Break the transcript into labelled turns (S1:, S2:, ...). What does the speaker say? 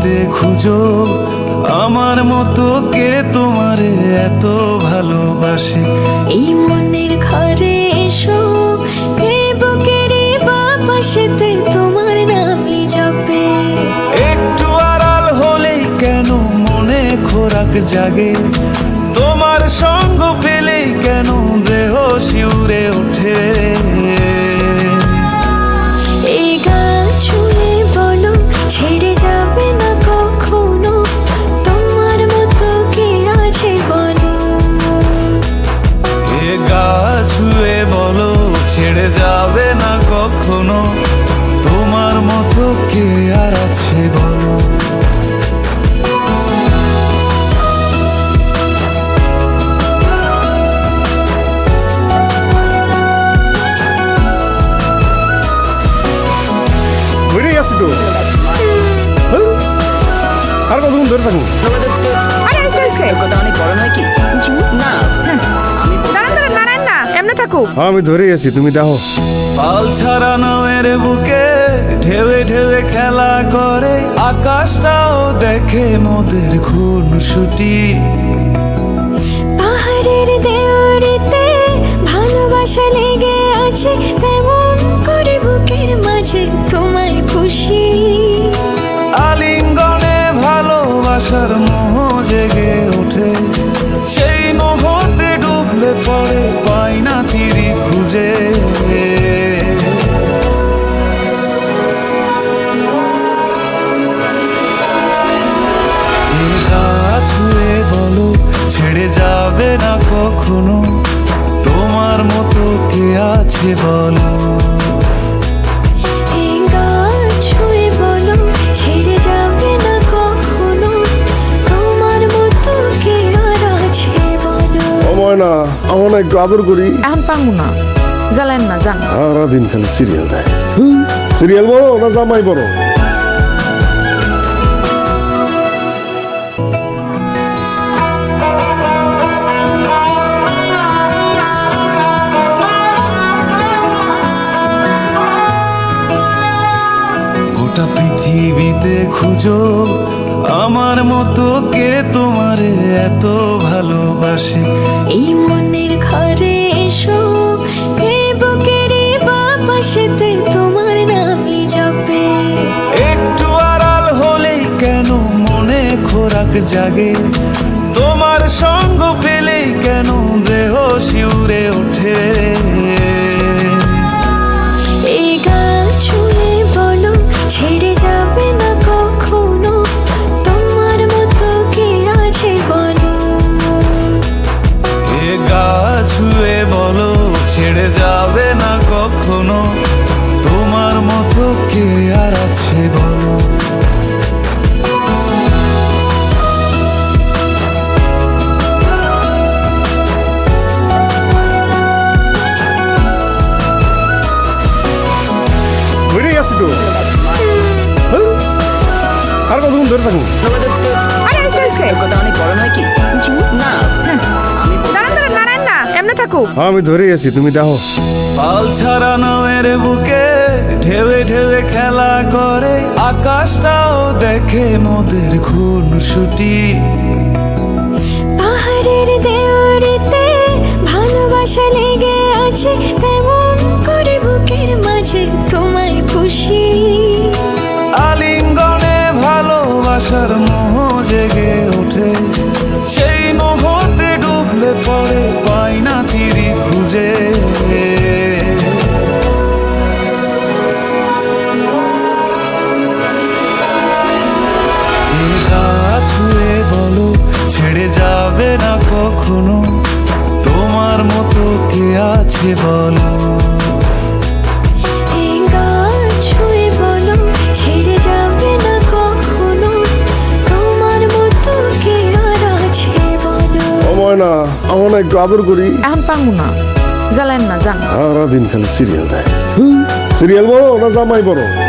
S1: পৃথিবীতে খুঁজো আমার মতো কে তোমারে এত ভালোবাসে।
S2: এই মনের ঘরে এসো, এই বুকের বাপাশেতে তোমার নামই জপে।
S1: একটু আড়াল হলেই কেন মনে খোরাক জাগে, তোমার সঙ্গ পেলেই কেন দেহ শিউরে ওঠে।
S2: এই গান ছুঁয়ে বলো ছেড়ে যাবে না কখনো, তোমার মতো কে আছে বলো।
S1: এ গা ছুঁয়ে বলো ছেড়ে যাবে না কখনো, তোমার মতো কে আর আছে বলো।
S3: আর কতক্ষণ ধরে থাকুন?
S4: আরে এসে এসে
S5: কথা অনেক বড় নয় কি না?
S4: দাঁড়ান দাঁড়ান দাঁড়ান না, এমনি থাকুক।
S3: আমি ধরেই আছি, তুমি দেখো।
S1: পাল ছাড়া নামের বুকে ঢেউে ঢেউে খেলা করে, আকাশটাও দেখে মোদের খুনসুটি।
S2: পাহাড়ের দেওয়ারিতে ভালোবাসা লেগে আছে, তেমন করে বুকের মাঝে তোমায় খুশি।
S1: আলিঙ্গনে ভালোবাসার মোহ জেগে ওঠে, সেই মোহতে ডুবলে পরে পাই না তীরি খুঁজে। এই হাত ছুঁয়ে বলো ছেড়ে যাবে না কখনো, তোমার মতো কে আছে বলো।
S2: এই গান ছুঁয়ে বলো ছেড়ে যাবে না কখনো, তোমার মতো কে আর আছে বলো।
S3: সময় না, আমার না একটু আদর করি।
S4: এখন পারবো না, জ্বালেন না, যান।
S3: সারাদিন খালি সিরিয়াল দেয়। সিরিয়াল বড় না জামাই বড়?
S1: গোটা পৃথিবীতে খুঁজো আমার মতো কে তোমারে এত ভালোবাসে।
S2: এই মনের ঘরে এসো, এই বুকের বাপাশেতে তোমার নামই জপে।
S1: একটু আড়াল হলেই কেন মনে খোরাক জাগে, তোমার সঙ্গ পেলেই কেন দেহ শিউরে ওঠে।
S2: এই গান ছুঁয়ে বলো ছেড়ে যাবে না কখনো, তোমার মতো কে আছে বলো।
S1: এ গা ছুঁয়ে বলো ছেড়ে যাবে না কখনো, তোমার মতো কে আর আছে বলো।
S3: ধরেই আছি তো। আর কতক্ষণ ধরে থাকুন?
S4: আরে এসে এসে
S5: কথা অনেক বড় নয় কি না?
S4: দাঁড়ান দাঁড়ান দাঁড়ান না, এমনি থাকুক।
S3: আমি ধরেই আছি, তুমি দেখো।
S1: পাল ছাড়া নামের বুকে ঢেউে ঢেউে খেলা করে, আকাশটাও দেখে মোদের খুনসুটি।
S2: পাহাড়ের দেওয়ারিতে ভালোবাসা লেগে আছে, তেমন করে বুকের মাঝে তোমায় খুশি।
S1: আলিঙ্গনে ভালোবাসার মোহ জেগে ওঠে, সেই মোহতে ডুবলে পরে পাই না তীরি খুঁজে। এই হাত ছুঁয়ে বলো ছেড়ে যাবে না কখনো, তোমার মতো কে আছে বলো।
S2: এই গান ছুঁয়ে বলো ছেড়ে যাবে না কখনো, তোমার মতো কে আর আছে বলো।
S3: সময় না, আমার না একটু আদর করি।
S4: এখন পারবো না, জ্বালেন না, যান।
S3: সারাদিন খালি সিরিয়াল দেয়। সিরিয়াল বড় না জামাই বড়?